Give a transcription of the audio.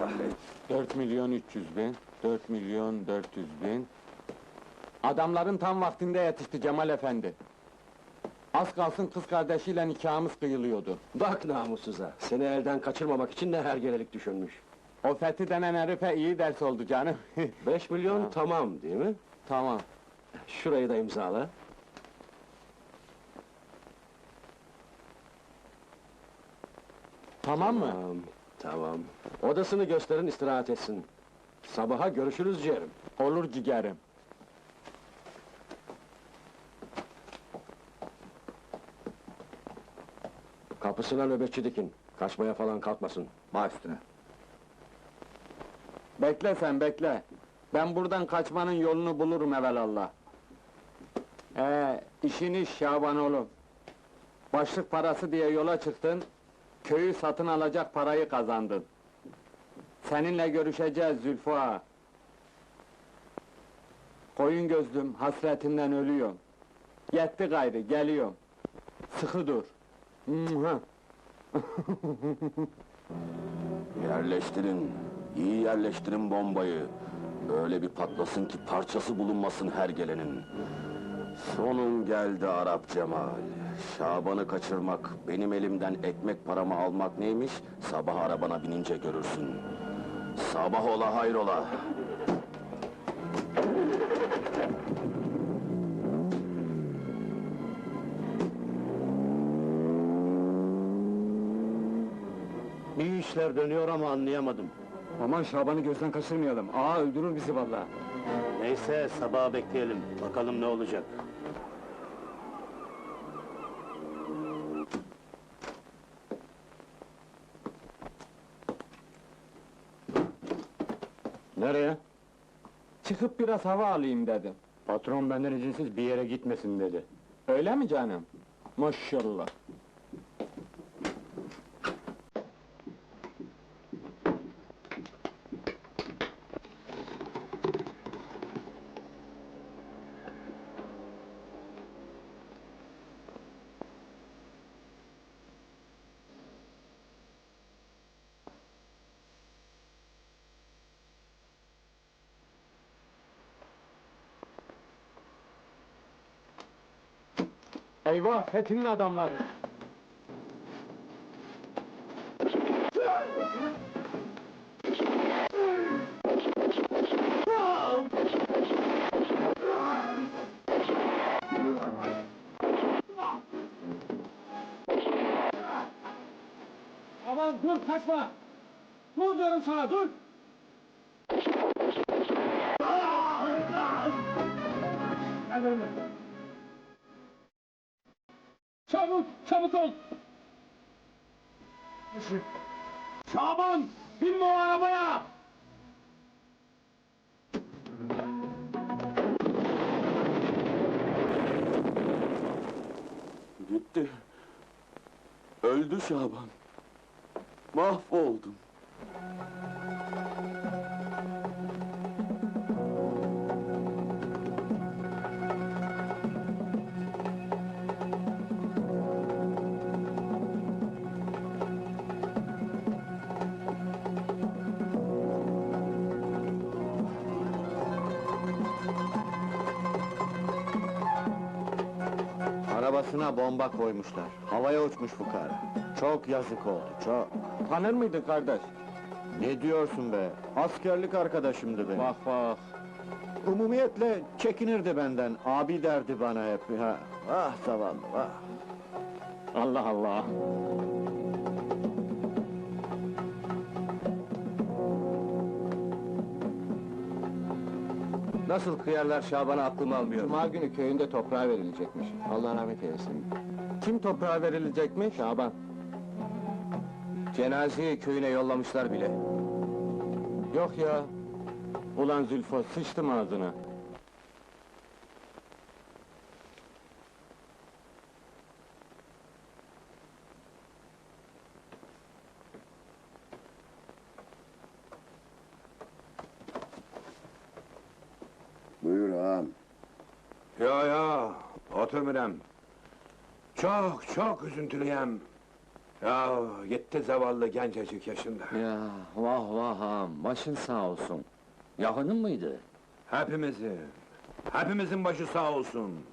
kahretsin. 4.300.000, 4.400.000. Adamların tam vaktinde yetişti Cemal Efendi. Az kalsın kız kardeşiyle nikahımız kıyılıyordu. Bak namussuza, seni elden kaçırmamak için ne hergelelik düşünmüş. O Fethi denen herife iyi ders oldu canım. 5 milyon Ha. tamam değil mi? Tamam. Şurayı da imzala. Tamam mı? Tamam. Odasını gösterin, istirahat etsin. Sabaha görüşürüz ciğerim. Olur ciğerim. Kapısına nöbetçi dikin. Kaçmaya falan kalkmasın. Baş üstüne. Bekle sen bekle. Ben buradan kaçmanın yolunu bulurum evelallah. İşin iş Şaban oğlum. Başlık parası diye yola çıktın, köyü satın alacak parayı kazandın. Seninle görüşeceğiz Zülfü ağa. Koyun gözlüm, hasretinden ölüyorum. Yetti gayrı, geliyorum. Sıkı dur. Mua! Yerleştirin, iyi yerleştirin bombayı. Öyle bir patlasın ki parçası bulunmasın her gelenin. Sonun geldi Arap Cemal. Şaban'ı kaçırmak, benim elimden ekmek paramı almak neymiş? Sabah arabana binince görürsün. Sabah ola hayrola! Bir işler dönüyor ama anlayamadım. Aman Şaban'ı gözden kaçırmayalım, ağa öldürür bizi vallahi. Neyse, sabaha bekleyelim. Bakalım ne olacak. Nereye? Çıkıp biraz hava alayım dedim. Patron benden izinsiz bir yere gitmesin dedi. Öyle mi canım? Maşallah. Eyvah, Fethi'nin adamları! Aman dur, kaçma! Dur diyorum sana, dur! Gel benimle! Çabuk, çabuk ol! Şaban! Binme o arabaya! Gitti. Öldü Şaban. Mahvoldum. Arabasına bomba koymuşlar. Havaya uçmuş fukara. Çok yazık oldu, çok. Tanır mıydın kardeş? Ne diyorsun be? Askerlik arkadaşımdı benim. Bak bak! Umumiyetle çekinirdi benden. Abi derdi bana hep. Ha. Ah zavallı, ah. Allah Allah! Nasıl kıyarlar Şaban'a aklım almıyor. Cuma günü köyünde toprağa verilecekmiş. Allah rahmet eylesin. Kim toprağa verilecekmiş? Şaban. Cenazeyi köyüne yollamışlar bile. Yok ya! Ulan Zülfo, sıçtım ağzına! Buyur ağam. Ya, otur Mürem. Çok üzüntülüyem. Ya gitti zavallı gencecik yaşında. Ya vah vah ağam, başın sağ olsun. Yakının mıydı? Hepimizin başı sağ olsun.